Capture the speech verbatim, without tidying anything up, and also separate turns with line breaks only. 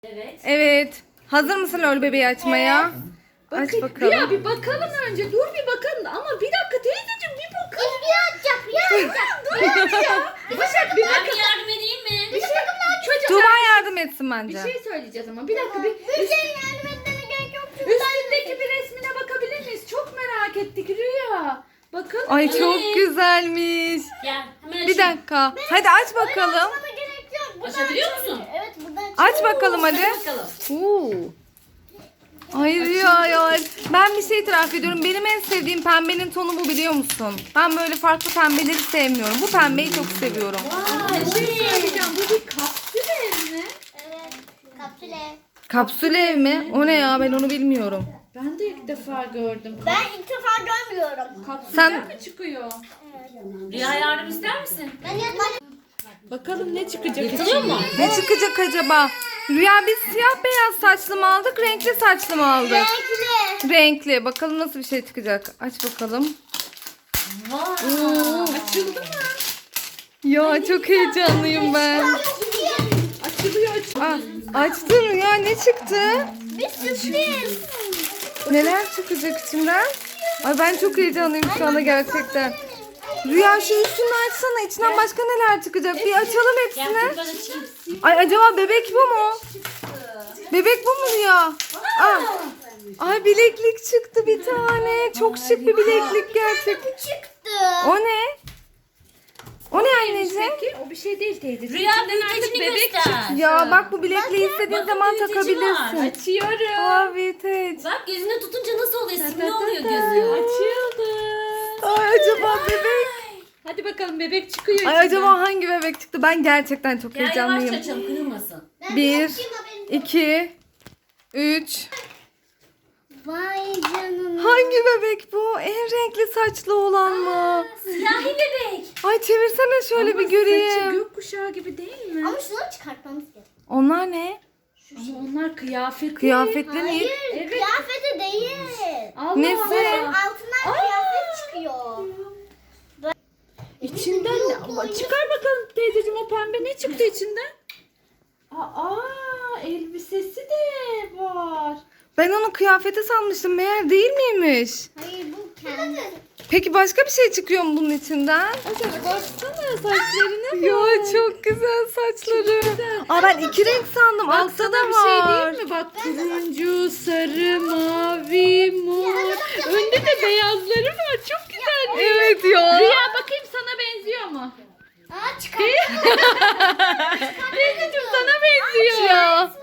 Evet.
Evet. Hazır mısın lol bebeği açmaya?
Bakın,
Aç bakalım.
Ya bir bakalım önce. Dur bir bakın. Ama bir dakika teyzeciğim bir bakın.
Bir açacak, bir açacak.
Dur hadi ya. Başak bir
Ben
bakın.
bir yardım edeyim mi?
Bir şey, çocuk,
Tuğba yardım etsin
bir
bence.
şey söyleyeceğiz ama bir dakika bir
Bir şey yardım etmene gerek yok. Çünkü
üstündeki bir resmine bakabilir miyiz? Çok merak ettik Rüya. Bakın.
Ay çok
Evet.
güzelmiş.
Gel hemen
Bir
açayım.
dakika. Hadi aç bakalım.
açmana gerek yok. Buradan
Açabiliyor
açabilir.
musun?
Evet, buradan
Aç bakalım hadi.
Hadi bakalım.
Oo. Ay Rüya ya. Ben bir şey itiraf ediyorum. Benim en sevdiğim pembenin tonu bu, biliyor musun? Ben böyle farklı pembeleri sevmiyorum. Bu pembeyi çok seviyorum.
Aa,
Bir
bu
şey
ne?
söyleyeceğim. Bu bir kapsül ev mi?
Evet, kapsüle.
Kapsül ev mi? O ne ya, ben onu bilmiyorum.
Ben de ilk defa gördüm.
Ben ilk defa görmüyorum.
Kapsüller
Sen-
mi çıkıyor?
Rüya yardım ister misin?
Ben yapmadım.
Bakalım ne çıkacak
Yırtılıyor mu?
Ne çıkacak acaba? Rüya, biz siyah beyaz saçlı mı aldık, renkli saçlı mı aldık?
Renkli.
Renkli. Bakalım nasıl bir şey çıkacak. Aç bakalım.
Vay.
Oo.
Açıldı mı?
Ya çok heyecanlıyım ben.
Açılıyor açılıyor.
Aa, açtın Rüya, ne çıktı?
Bir sürpriz.
Neler çıkacak içinden? Ay ben çok heyecanlıyım şu anda gerçekten. Rüya şu üstünü açsana, içinden başka neler çıkacak? Bir açalım
Gel
hepsini.
buradan açayım.
Ay acaba bebek bu mu? Bebek bu mu Rüya? Aa. Ay bileklik çıktı bir tane. Çok şık bir bileklik gerçekten.
Çıktı.
O ne? O ne anneciğim?
Peki o bir şey değil teyzeciğim.
Rüya
İçinden artık
büyütecini
bebek
göster.
çıktı.
Ya bak, bu bilekliği istediğin
bakın
zaman
büyüteci
takabilirsin.
var.
Açıyorum.
Aa vintage.
Bak gözünü tutunca nasıl oluyor?
Ta
Simli
ta
oluyor
ta.
gözü.
Açıldı.
Ay acaba bebek?
Hadi bakalım bebek çıkıyor
Ay
içinden.
acaba hangi bebek çıktı? Ben gerçekten çok
Gel yavaşça
heyecanlıyım.
açalım kırılmasın.
Ben
Bir,
açayım, haberin yok.
iki, üç.
Vay canına.
Hangi bebek bu? En renkli saçlı olan mı?
Siyahi bebek.
Ay çevirsene şöyle
Ama
bir
saçı
göreyim.
gökkuşağı gibi değil mi?
Ama şunu çıkartmamız gerek.
Onlar ne?
Ama onlar kıyafet.
Kıyafetler
Hayır,
mi?
Evet.
kıyafeti değil.
Allah
Nesi?
Allah.
Altından kıyafet çıkıyor.
İçinden ne? Ama çıkar bakalım teyzeciğim, o pembe ne çıktı içinden? Aa, elbisesi de var.
Ben onu kıyafete sanmıştım. Meğer değil miymiş?
Hayır, bu kendi.
Peki başka bir şey çıkıyor mu bunun içinden?
Başak baksana saçlarına.
Ya çok güzel saçları. Aa ben iki renk sandım. Altta
Baksana
da
bir şey
var.
değil mi? Bak turuncu, sarı, mavi, mor. Önde de beyazları var. Çok güzel.
Evet ya.
Rüya bakayım sana benziyor mu?
Aa, çıkar.
Teyzeciğim sana benziyor.
Ya.